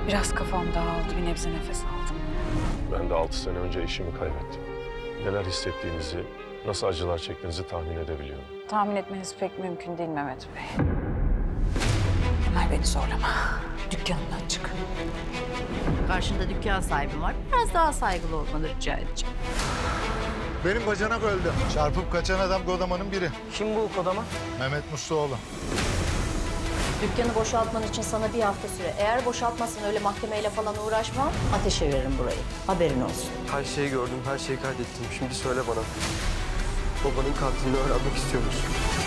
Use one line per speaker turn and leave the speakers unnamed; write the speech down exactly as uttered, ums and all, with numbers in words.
Biraz kafam dağıldı, bir nebze nefes aldım.
Ben de altı sene önce eşimi kaybettim. Neler hissettiğinizi, nasıl acılar çektiğinizi tahmin edebiliyorum.
Tahmin etmeniz pek mümkün değil Mehmet Bey. Emel beni zorlama. Dükkanımdan çık.
Karşında dükkan sahibim var. Biraz daha saygılı olmanı rica edeceğim.
Benim bacanak öldü. Çarpıp kaçan adam Godaman'ın biri.
Kim bu Kodama?
Mehmet Musluoğlu.
Dükkanı boşaltman için sana bir hafta süre. Eğer boşaltmazsan öyle mahkemeyle falan uğraşmam. Ateşe veririm burayı. Haberin olsun.
Her şeyi gördüm, her şeyi kaydettim. Şimdi söyle bana. Babanın katilini öğrenmek istiyor musun?